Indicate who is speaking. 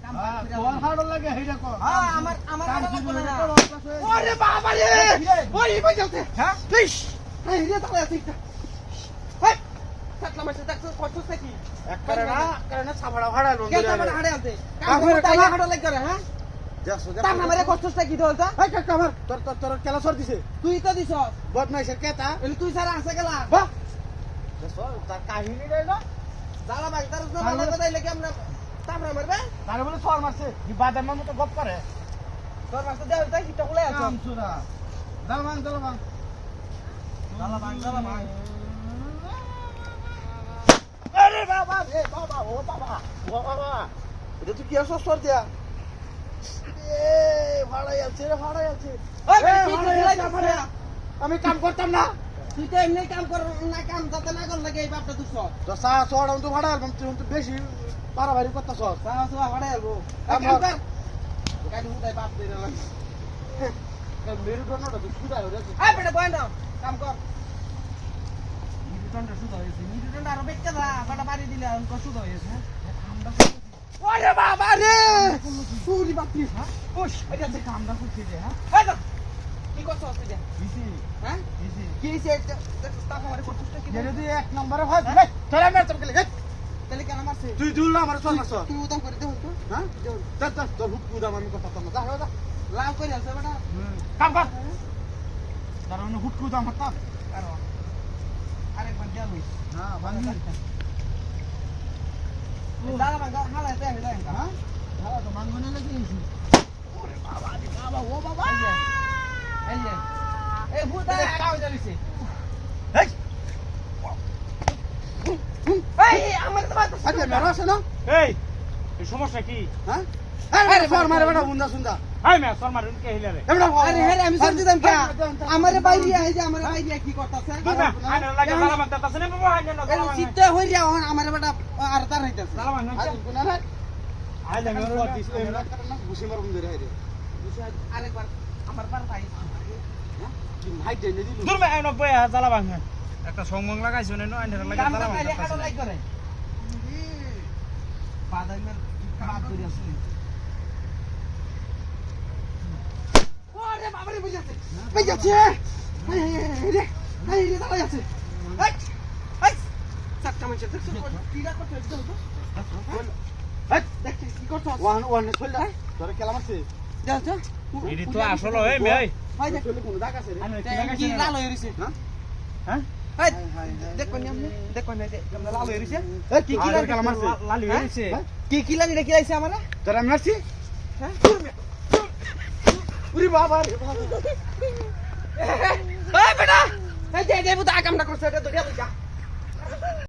Speaker 1: তোর হাড় লাগে হেইটা কর
Speaker 2: আমার হাড় লাগবে না
Speaker 1: ওরে বাবা রে ওই বাজাতে হ্যাঁ ইস এই রে তাহলে আছে একটা হেই
Speaker 2: থাকলাম এসে দেখছ কষ্ট কি
Speaker 1: এক করে না ছাবড়া হাড়া লোন
Speaker 2: কে তোমার হাড়ে আনতে কাম হাড় লাগ করে হ্যাঁ
Speaker 1: দেখছো
Speaker 2: তার নামে কষ্টটা কি দলতা
Speaker 1: এই কাকা আমার তোর কেলা সর দিছে
Speaker 2: তুই তো দিছ
Speaker 1: বদমাইশের কেতা
Speaker 2: এলি তুই সারা আছে গেলা
Speaker 1: বাহ দেখছো তার কাহিনী রইলো
Speaker 2: জালা ভাই তার জন্য কথা দিলে কি আমরা তামরা মারবে
Speaker 1: তারে বলে সর মারছে কি বাদাম মতো গপ করে
Speaker 2: তোর মাসে দেও তাই কিটা খুলে আছে
Speaker 1: আমসুরা দালবাং আরে বাবা রে বাবা ও বাবা এটা তুই কি আসছ সর দিয়া এ ভাড়াই আছে আমি কাম করতাম না
Speaker 2: তুই তো এমনি কাম কর না কাম যাতে না কর লাগে এই বাপটা তুই সর
Speaker 1: তো সা সর তো ভাড়া আলবাম তুই তো বেশি বাড়াবাড়ি করতাছ
Speaker 2: সারা সব ভাড়া আলবো কাম
Speaker 1: আমার-
Speaker 2: কর গাড়ি উঠাই বাপ দে না
Speaker 1: মেরুদণ্ডটা তো সুদাই হয়ে গেছে
Speaker 2: এই বেটা বয় না কাম কর মিটুটনটা সুদা হয়েছে মিটুটনটা আরো বেচতে দা বাটা বাড়ি দিলে আর কষ্ট সুদা হয়েছে আমরা
Speaker 1: ওরে বাবা রে সুরি বাপি
Speaker 2: ওশ এটা যে কামটা করতে যে হ্যাঁ এই কি করছ তুই যা
Speaker 1: বিসি
Speaker 2: হ্যাঁ
Speaker 1: বিসি
Speaker 2: কি হইছে টাকা মারে করছিস কি
Speaker 1: যদি এক নম্বরে হয় ভাই তোরা মেরে তোকে লেগে
Speaker 2: তাহলে কেন মারছে
Speaker 1: তুই দুল না আমার চল মারছ
Speaker 2: তুই উদাম করে দে হইতো
Speaker 1: হ্যাঁ তোর হুক উদাম আমি কথা তো না যা
Speaker 2: লাভ করে আছে বেটা
Speaker 1: কাম কর দাঁড়ানো হুক উদাম হাত
Speaker 2: কারো আরেকবার দেয়া লইস
Speaker 1: হ্যাঁ বাংলা
Speaker 2: দাদা ভাঙা হালা তে হেলা
Speaker 1: হ্যাঁ ভালো তো মাঙ্গনে লাগিয়েছি ওরে বাবা রে বাবা ও বাবা
Speaker 2: এই যে এই ভূতা কাও জানিছে
Speaker 1: এই
Speaker 2: এই আমার তো মারতে
Speaker 1: আচ্ছা মেরা আছে না
Speaker 3: এই এই সমস্যা কি
Speaker 1: হ্যাঁ আরে ফর মারে বেটা বুন্দা সুন্দা
Speaker 3: হাই মে শর্মা রুন কে হিলারে
Speaker 1: এবড়া
Speaker 2: আরে হেরে আমি সর দিতাম কে আমারে বাইরে আই যে আমারে বাইরে কি করতাছে
Speaker 3: কি না আনে লাগে সালা মারতে তাছে না বাবা হাই না
Speaker 2: এই
Speaker 3: সালা
Speaker 2: চিত্তে হইরা হন আমারে বেটা আর তার হইতাছে
Speaker 3: সালা মান
Speaker 1: আজ গুনা না
Speaker 3: আই লাগে
Speaker 1: মেরা দিস এমরা করনা ঘুষি মারুম ধরে হাইরে
Speaker 2: আরেকবার আমার বার ভাই
Speaker 1: কি হাই দেই দিলু
Speaker 3: দূর মে আই 90 সালা বাং একটা সংমং লাগাইছো না আইনে লাগে
Speaker 2: কামটা
Speaker 3: সালা
Speaker 2: খালি হাড়
Speaker 3: বাং
Speaker 2: লাগ করে বাদাইমের কাজ করি আছে ওরে বাবা রে বুঝাছে
Speaker 1: বেজাছে এই রে দাঁড়াই আছে
Speaker 2: এই এই সাতটা মানুষ দেখছো কিরা করতে একদম তো
Speaker 1: এই
Speaker 2: দেখ কি করছ
Speaker 1: ওয়ান চল যা তোরে কেলা মারছে
Speaker 2: যা যা
Speaker 3: এডি তো আসলে এই মে
Speaker 2: ভাই দেখ
Speaker 1: চলে কোন দাগ আছে রে
Speaker 3: আনে
Speaker 2: কি লাল হয়ে রইছে
Speaker 1: হ্যাঁ
Speaker 3: হ্যাঁ
Speaker 2: এই দেখ কোন আমনে দেখ কোন এই আমরা লাল হয়ে রইছে
Speaker 1: এই কি কি কেলা মারছে
Speaker 3: লালি হইছে
Speaker 2: কি লাগি রে কি আইছে আমারে
Speaker 1: তোরা মারছি
Speaker 2: হ্যাঁ
Speaker 1: উরি বাবা রে বাবা
Speaker 2: এই বেটা এই যে বুতা কামটা করছে এটা ধরিয়া লইয়া